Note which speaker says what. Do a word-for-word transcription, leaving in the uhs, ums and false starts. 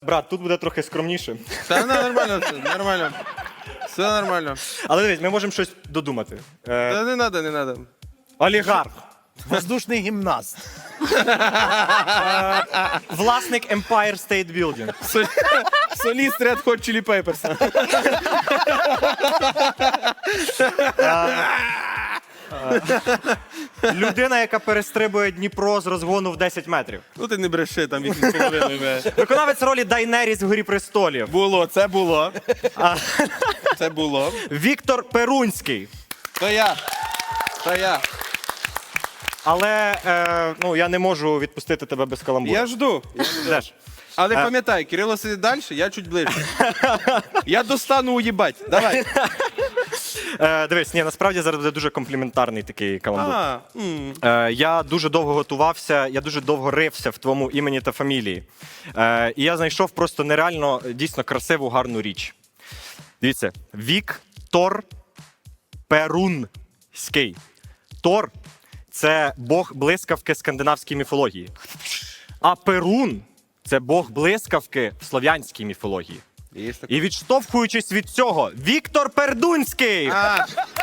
Speaker 1: Брат, тут буде трохи скромніше.
Speaker 2: Та ну, нормально, все, нормально. Все нормально.
Speaker 1: Але дивись, ми можемо щось додумати. Е,
Speaker 2: Та не треба, не треба.
Speaker 1: олігарх.
Speaker 3: Воздушний гімнаст.
Speaker 1: Власник Empire State Building.
Speaker 2: Соліст Red Hot Chili Peppers.
Speaker 1: Людина, яка перестрибує Дніпро з розгону в десять метрів.
Speaker 2: Ну ти не бреши, там вісім з половиною.
Speaker 1: Виконавець ролі Дайнеріс в «Грі престолів».
Speaker 2: Було, це було. Це було.
Speaker 1: Віктор Перунський.
Speaker 2: То я. То я.
Speaker 1: Але е, ну, я не можу відпустити тебе без каламбуру.
Speaker 2: Я жду.
Speaker 1: Ждеш.
Speaker 2: Але пам'ятай, Кирило сидить далі, я чуть ближче. Я достану уїбать. Давай.
Speaker 1: Е, дивись, ні, насправді зараз буде дуже компліментарний такий каламбур.
Speaker 2: А, м.
Speaker 1: Е, я дуже довго готувався, я дуже довго рився в твоєму імені та фамілії. Е, і я знайшов просто нереально, дійсно красиву, гарну річ. Дивіться, Віктор Перунський. Тор – це бог блискавки скандинавській міфології. А Перун – це бог блискавки в слов'янській міфології.
Speaker 2: Є таке.
Speaker 1: І відштовхуючись від цього, Віктор Пердунський!
Speaker 2: А,